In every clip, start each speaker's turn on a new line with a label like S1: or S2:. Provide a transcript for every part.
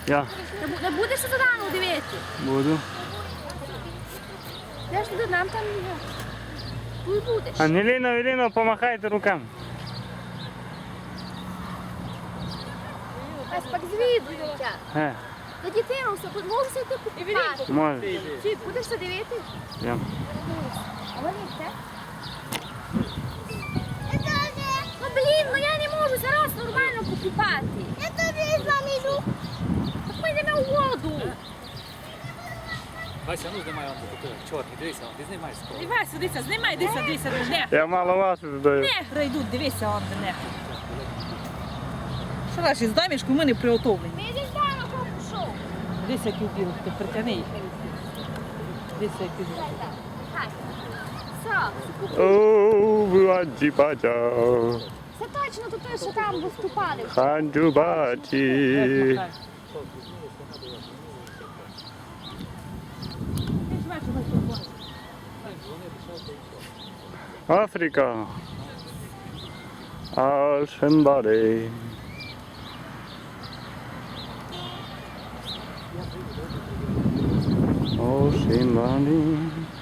S1: Я
S2: Не будеш за Дану дивитися?
S1: буду.
S2: Де ж туди нам там є? Тут будеш.
S1: Ангеліно, помахайте руками.
S2: Ось пак звідується. За дитину все, можеш йти купувати.
S1: Може.
S2: Чи будеш це дивитися?
S1: Я.
S2: А вони це? Ну блін, ну я не можу зараз нормально покупати. Я тобі з вами йду. Так ми йдемо у воду.
S3: Вася, ну знімай, чорний, дивися, ти знімай скоро.
S4: Дивись, дивися, знімай, дивися, не.
S1: Я мало вас додаю.
S4: Негри йдуть, дивися, он де негри. Що наші з домішку, ми не приготовлені.
S2: Ми йдемо там, а пішов.
S4: Дивися, який білий, ти притягни їх. Дивися, який білий.
S2: Так. Все.
S1: О, баджі-баджа.
S2: Це точно то той, що там виступали.
S1: Ханджу-баджі. Африка. Ашенбари. Ошенбари.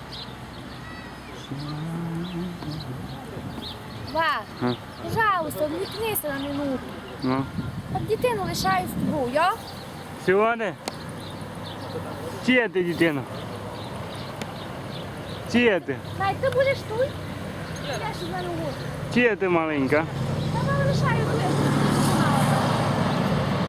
S2: Ва,
S1: А.
S2: пожалуйста, відвікнися на минуту.
S1: Ну.
S2: От дитину лишаю з тобою, я?
S1: Сьогодні? Чия ти дитина? Чия ти?
S2: Най, ти будеш тут? Я ж з мене воду.
S1: Чия ти маленька?
S2: Та лишаю тут.